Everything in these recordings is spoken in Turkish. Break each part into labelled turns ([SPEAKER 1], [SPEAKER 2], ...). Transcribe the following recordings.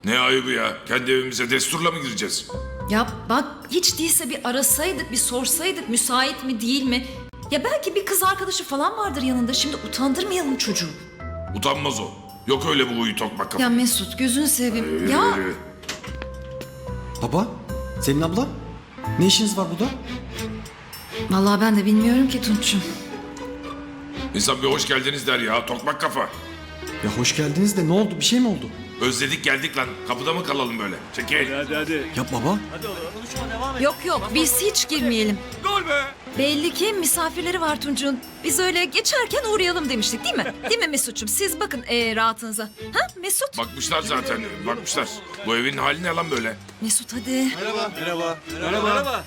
[SPEAKER 1] Ne ayıbı ya? Kendi evimize desturla mı gireceğiz?
[SPEAKER 2] Ya bak hiç değilse bir arasaydık, bir sorsaydık müsait mi değil mi? Ya belki bir kız arkadaşı falan vardır yanında. Şimdi utandırmayalım çocuğu.
[SPEAKER 1] Utanmaz o. Yok öyle bu huyu tokmak kafa.
[SPEAKER 2] Ya Mesut gözünü seveyim. Ya
[SPEAKER 1] Yürü.
[SPEAKER 3] Baba, Selin abla, ne işiniz var burada?
[SPEAKER 2] vallahi ben de bilmiyorum ki Tunç'um.
[SPEAKER 1] İnsan bir hoş geldiniz der ya tokmak kafa.
[SPEAKER 3] Ya hoş geldiniz de ne oldu? Bir şey mi oldu?
[SPEAKER 1] Özledik geldik lan. Kapıda mı kalalım böyle? Çekil.
[SPEAKER 4] Hadi.
[SPEAKER 3] Ya baba,
[SPEAKER 2] Yok yok biz hiç girmeyelim.
[SPEAKER 4] Gol be.
[SPEAKER 2] Belli ki misafirleri var Tunç'un. Biz öyle geçerken uğrayalım demiştik değil mi? Değil mi Mesut'cum? Siz bakın rahatınıza. Ha Mesut?
[SPEAKER 1] Bakmışlar zaten. Bakmışlar. Bu evin hali ne lan böyle?
[SPEAKER 2] Mesut hadi.
[SPEAKER 4] Merhaba.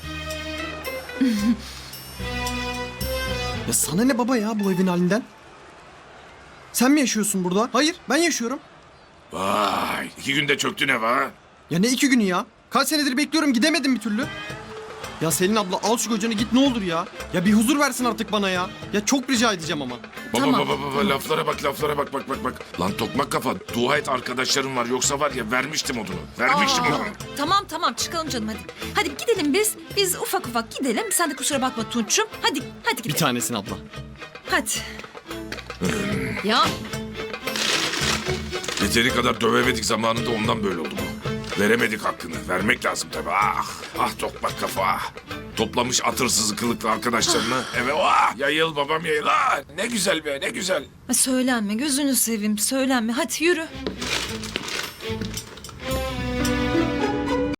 [SPEAKER 3] ya sana ne baba ya bu evin halinden? Sen mi yaşıyorsun burada? Hayır, ben yaşıyorum.
[SPEAKER 1] Vay. 2 günde çöktün ev ha.
[SPEAKER 3] Ya ne 2 günü ya? Kaç senedir bekliyorum gidemedim bir türlü. Ya Selin abla al şu kocanı git ne olur ya. Ya bir huzur versin artık bana ya. Ya çok rica edeceğim ama.
[SPEAKER 1] Baba
[SPEAKER 2] Tamam,
[SPEAKER 1] baba laflara bak. Lan tokmak kafa. Dua et arkadaşlarım var yoksa var ya vermiştim odunu. Vermiştim odunu.
[SPEAKER 2] Tamam çıkalım canım hadi. Hadi gidelim biz. Biz ufak ufak gidelim. Sen de kusura bakma Tunç'um. Hadi
[SPEAKER 3] Bir
[SPEAKER 2] gidelim.
[SPEAKER 3] tanesin abla.
[SPEAKER 2] Hadi. Ya
[SPEAKER 1] Yeteri kadar dövemedik zamanında ondan böyle oldu bu. Veremedik hakkını. Vermek lazım tabii. Ah tokmak kafa. Toplamış atırsız kılıklı arkadaşlarını eve yayıl babam yayıl. Ne güzel be ne güzel.
[SPEAKER 2] söylenme gözünü seveyim söylenme. Hadi yürü.